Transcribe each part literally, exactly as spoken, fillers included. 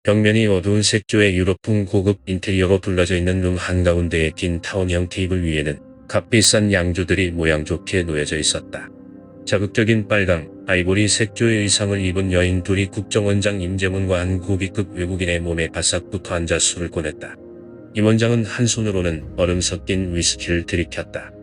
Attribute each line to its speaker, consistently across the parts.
Speaker 1: 벽면이 어두운 색조의 유럽풍 고급 인테리어로 둘러져 있는 룸 한가운데의 긴 타원형 테이블 위에는 값비싼 양조들이 모양 좋게 놓여져 있었다. 자극적인 빨강, 아이보리 색조의 의상을 입은 여인 둘이 국정원장 임재문과 한 고위급 외국인의 몸에 바싹 붙어 앉아 술을 꺼냈다. 임 원장은 한 손으로는 얼음 섞인 위스키를 들이켰다.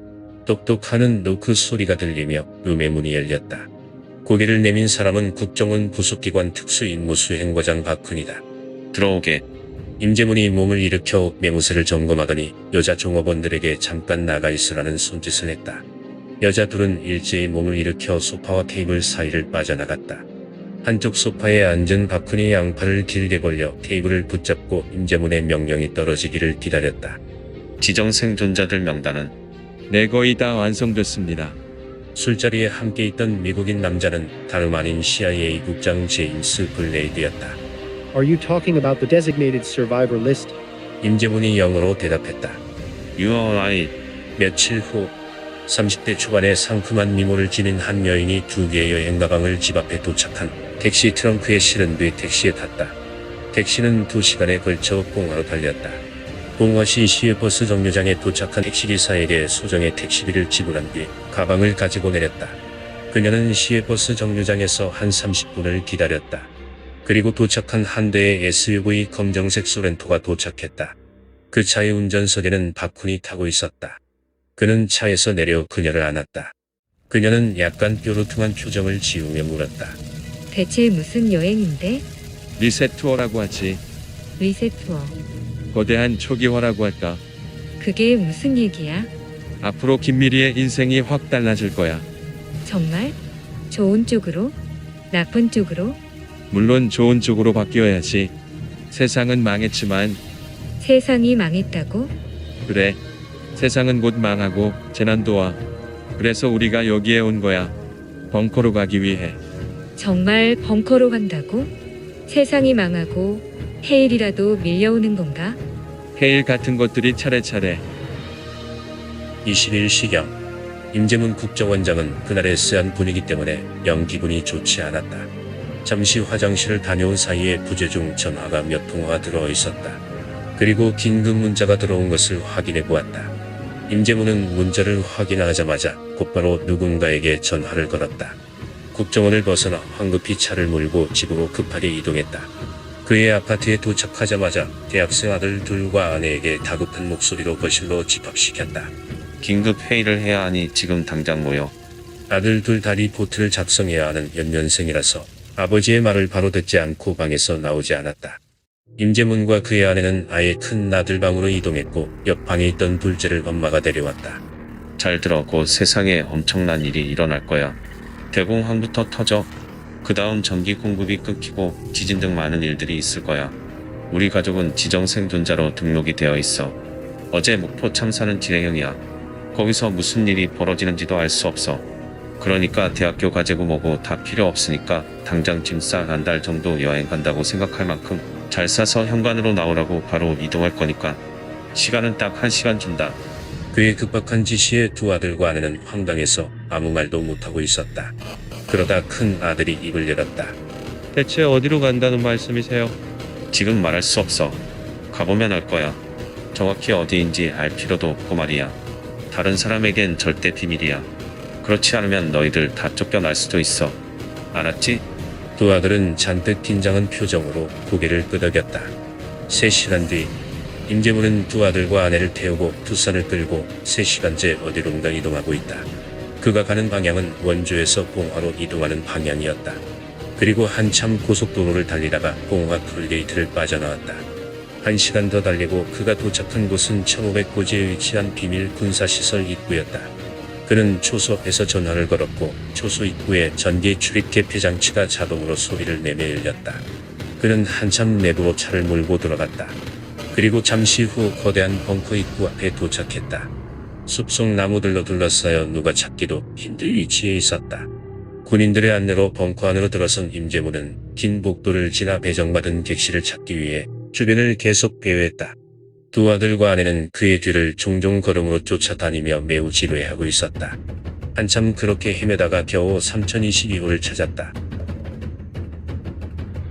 Speaker 1: 똑똑하는 노크 소리가 들리며 룸의 문이 열렸다. 고개를 내민 사람은 국정원 부속기관 특수임무수행과장 박훈이다. 들어오게. 임재문이 몸을 일으켜 매무새를 점검하더니 여자 종업원들에게 잠깐 나가 있으라는 손짓을 했다. 여자 둘은 일제히 몸을 일으켜 소파와 테이블 사이를 빠져나갔다. 한쪽 소파에 앉은 박훈이 양팔을 길게 벌려 테이블을 붙잡고 임재문의 명령이 떨어지기를 기다렸다.
Speaker 2: 지정 생존자들 명단은
Speaker 3: 네, 거의 다 완성됐습니다.
Speaker 1: 술자리에 함께 있던 미국인 남자는 다름 아닌 씨아이에이 국장 제임스 블레이드였다.
Speaker 4: Are you talking about the designated survivor list?
Speaker 1: 임재문이 영어로 대답했다.
Speaker 2: You are right.
Speaker 1: 며칠 후 삼십 대 초반의 상큼한 미모를 지닌 한 여인이 두 개의 여행 가방을 집 앞에 도착한 택시 트렁크에 실은 뒤 택시에 탔다. 택시는 두 시간에 걸쳐 봉화로 달렸다. 봉화시 시외버스 정류장에 도착한 택시기사에게 소정의 택시비를 지불한 뒤 가방을 가지고 내렸다. 그녀는 시외버스 정류장에서 한 삼십 분을 기다렸다. 그리고 도착한 한 대의 에스유브이 검정색 소렌토가 도착했다. 그 차의 운전석에는 박훈이 타고 있었다. 그는 차에서 내려 그녀를 안았다. 그녀는 약간 뾰루퉁한 표정을 지으며 물었다.
Speaker 5: 대체 무슨 여행인데?
Speaker 3: 리셋 투어라고 하지.
Speaker 5: 리셋 투어.
Speaker 3: 거대한 초기화라고 할까.
Speaker 5: 그게 무슨 얘기야?
Speaker 3: 앞으로 김미리의 인생이 확 달라질 거야.
Speaker 5: 정말? 좋은 쪽으로? 나쁜 쪽으로?
Speaker 3: 물론 좋은 쪽으로 바뀌어야지. 세상은 망했지만.
Speaker 5: 세상이 망했다고?
Speaker 3: 그래. 세상은 곧 망하고 재난도 와. 그래서 우리가 여기에 온 거야. 벙커로 가기 위해.
Speaker 5: 정말 벙커로 간다고? 세상이 망하고 해일이라도 밀려오는 건가?
Speaker 3: 해일 같은 것들이 차례차례.
Speaker 1: 이십 일 시경 임재문 국정원장은 그날의 쎄한 분위기 때문에 영 기분이 좋지 않았다. 잠시 화장실을 다녀온 사이에 부재 중 전화가 몇 통화가 들어와 있었다. 그리고 긴급 문자가 들어온 것을 확인해 보았다. 임재문은 문자를 확인하자마자 곧바로 누군가에게 전화를 걸었다. 국정원을 벗어나 황급히 차를 몰고 집으로 급하게 이동했다. 그의 아파트에 도착하자마자 대학생 아들 둘과 아내에게 다급한 목소리로 거실로 집합시켰다.
Speaker 2: 긴급 회의를 해야 하니 지금 당장 모여.
Speaker 1: 아들 둘 다 리포트를 작성해야 하는 연년생이라서 아버지의 말을 바로 듣지 않고 방에서 나오지 않았다. 임재문과 그의 아내는 아예 큰 나들방으로 이동했고 옆 방에 있던 둘째를 엄마가 데려왔다.
Speaker 2: 잘 들어. 곧 세상에 엄청난 일이 일어날 거야. 대공황부터 터져. 그 다음 전기 공급이 끊기고 지진 등 많은 일들이 있을 거야. 우리 가족은 지정 생존자로 등록이 되어 있어. 어제 목포 참사는 진행형이야. 거기서 무슨 일이 벌어지는지도 알 수 없어. 그러니까 대학교 과제고 뭐고 다 필요 없으니까 당장 짐 싸 한 달 정도 여행 간다고 생각할 만큼 잘 싸서 현관으로 나오라고 바로 이동할 거니까. 시간은 딱 한 시간 준다.
Speaker 1: 그의 급박한 지시에 두 아들과 아내는 황당해서 아무 말도 못하고 있었다. 그러다 큰 아들이 입을 열었다.
Speaker 3: 대체 어디로 간다는 말씀이세요?
Speaker 2: 지금 말할 수 없어. 가보면 알 거야. 정확히 어디인지 알 필요도 없고 말이야. 다른 사람에겐 절대 비밀이야. 그렇지 않으면 너희들 다 쫓겨날 수도 있어. 알았지?
Speaker 1: 두 아들은 잔뜩 긴장한 표정으로 고개를 끄덕였다. 세 시간 뒤 임재문은 두 아들과 아내를 태우고 두산을 끌고 세 시간째 어디론가 이동하고 있다. 그가 가는 방향은 원주에서 봉화로 이동하는 방향이었다. 그리고 한참 고속도로를 달리다가 봉화 톨게이트를 빠져나왔다. 한 시간 더 달리고 그가 도착한 곳은 천오백 고지에 위치한 비밀 군사시설 입구였다. 그는 초소 앞에서 전화를 걸었고 초소 입구에 전기 출입 개폐 장치가 자동으로 소리를 내며 열렸다. 그는 한참 내부로 차를 몰고 들어갔다. 그리고 잠시 후 거대한 벙커 입구 앞에 도착했다. 숲속 나무들로 둘러싸여 누가 찾기도 힘들 위치에 있었다. 군인들의 안내로 벙커 안으로 들어선 임재문은 긴 복도를 지나 배정받은 객실을 찾기 위해 주변을 계속 배회했다. 두 아들과 아내는 그의 뒤를 종종 걸음으로 쫓아다니며 매우 지루해하고 있었다. 한참 그렇게 헤매다가 겨우 삼천이십이 호를 찾았다.